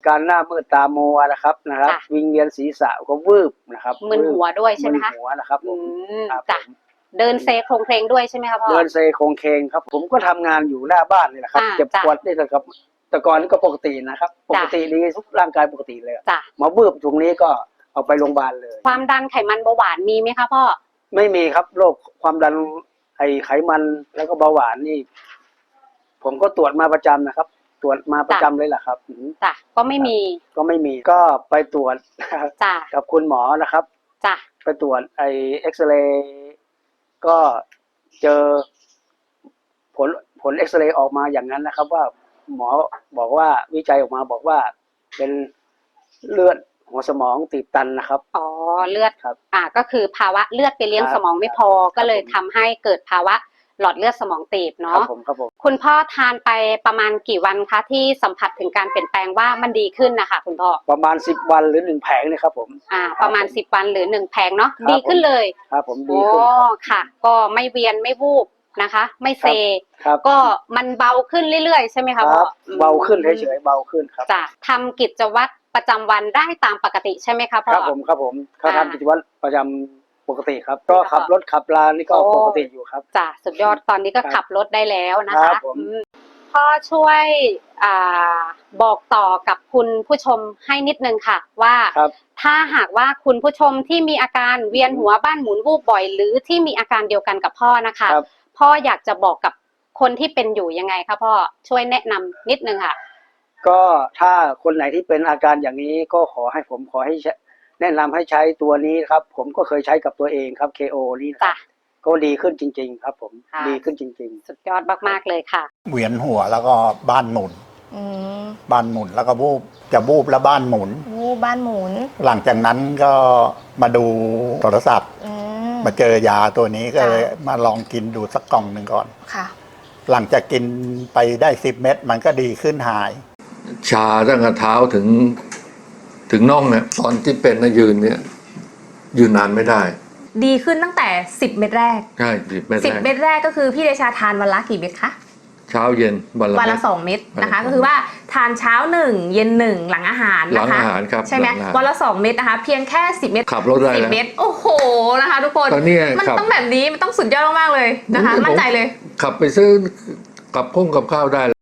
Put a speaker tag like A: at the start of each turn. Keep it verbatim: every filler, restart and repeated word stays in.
A: การหน้ามืดตามัวนะครับนะครับวิงเวียนศีรษะก็วืบนะครับ
B: มึนหัวด้วยใช่ไหมคะ
A: มึนหัวนะครับผม
B: จ้ะเดินเซโครงเพลงด้วยใช่ไหมครับพ่อ
A: เดินเซโครงเคงครับผมก็ทำงานอยู่หน้าบ้านนี่แหละครับเจ็บปวดนี่แหละครับแต่ก่อนนี่ก็ปกตินะครับปกติดีทุกร่างกายปกติเลยมาบืบตรงนี้ก็เอาไปโรงพยาบาลเลย
B: ความดันไขมันเบาหวานมีไหมคะพ่อ
A: ไม่มีครับโรคความดันไอไขมันแล้วก็เบาหวานนี่ผมก็ตรวจมาประจำนะครับตรวจมาประจำเลยแหละครับ
B: จ้ะก็ไม่มี
A: ก็ไม่มีก็ไปตรวจ
B: จ้ะ
A: กับคุณหมอนะครับ
B: จ้ะ
A: ไปตรวจไอเอ็กซเรย์ก็เจอผลผลเอ็กซเรย์ออกมาอย่างนั้นนะครับว่าหมอบอกว่าวิจัยออกมาบอกว่าเป็นเลือดหัวสมองตีบตันนะครับ
B: อ๋อเลือด
A: ครับ
B: อ่าก็คือภาวะเลือดไปเลี้ยงสมองไม่พอก็เลยทำให้เกิดภาวะหลอดเลือดสมองตีบเนาะ
A: ครับผมครับผม
B: คุณพ่อทานไปประมาณกี่วันคะที่สัมผัสถึงการเปลี่ยนแปลงว่ามันดีขึ้นนะคะคุณพ่อ
A: ประมาณสิบวันหรือหนึ่งแผงนี่ครับผม
B: อ่าประมาณสิบวันหรือหนึ่งแผงเนาะดีขึ้นเลย
A: ครับผมดีขึ้น
B: อ๋อค่ะก็ไม่เวียนไม่วูบนะคะไม่เซก็มันเบาขึ้นเรื่อยๆใช่ไหมคะพ่อ
A: เบาขึ้นเฉยๆเบาขึ้นครับ
B: จะทำกิจวัตรประจำวันได้ตามปกติใช่ไหมคะพ่อ
A: ครับผมครับผมเขาทำกิจวัตรประจำปกติครับก็ขับรถขับลานี่ก็ปกติอยู่ครับ
B: จ้ะสุดยอดตอนนี้ก็ขับรถได้แล้วนะคะพ่อช่วยอ่าบอกต่อกับคุณผู้ชมให้นิดนึงค่ะว่าถ้าหากว่าคุณผู้ชมที่มีอาการเวียนหัวบ้านหมุนวูบบ่อยหรือที่มีอาการเดียวกันกับพ่อนะคะพ่ออยากจะบอกกับคนที่เป็นอยู่ยังไงคะพ่อช่วยแนะนำนิดนึงค่ะ
A: ก็ถ้าคนไหนที่เป็นอาการอย่างนี้ก็ขอให้ผมขอให้แนะนำให้ใช้ตัวนี้ครับผมก็เคยใช้กับตัวเองครับ เค โอ นี่นะก็ดีขึ้นจริงๆครับผมดีขึ้นจริง
B: ๆสุดยอดมากๆเลยค่ะ
C: เวียนหัวแล้วก็บ้านหมุนบ้านหมุนแล้วก็วูบจะวูบแล้วบ้านหมุน
D: วูบบ้านหมุน
C: หลังจากนั้นก็มาดูโทรศัพท์มาเจอยาตัวนี้ก็เลยมาลองกินดูสักกล่องหนึ่งก่อน
D: ค่ะ
C: หลังจากกินไปได้สิบเม็ดมันก็ดีขึ้นหาย
E: ชาตั้งแต่เท้าถึงถึงน่องเนี่ยตอนที่เป็นนะยืนเนี่ยยืนนานไม่ได้
D: ดีขึ้นตั้งแต่สิบเม็ดแรก
E: ใช่สิบเม็ดแรก
D: สิบเม็ดแรกก็คือพี่เดชาทานวันละกี่เม็ดคะ
E: เช้าเย็นวันละ
D: วันละสองเม็ดนะคะก็คือว่าทานเช้าหนึ่งเย็นหนึ่งหลังอาหารนะคะ
E: หลังอาหารครับ
D: ใช่ไหมวันละสองเม็ดนะคะเพียงแค่สิบเม็ด
E: ขับรถได้
D: สิบเม็ดโอ้โหนะคะทุกคนมันต้องแบบนี้มันต้องสุดยอดมากๆเลยนะคะมั่นใจเลย
E: ขับไปซื้อกับพุ่งกับข้าวได้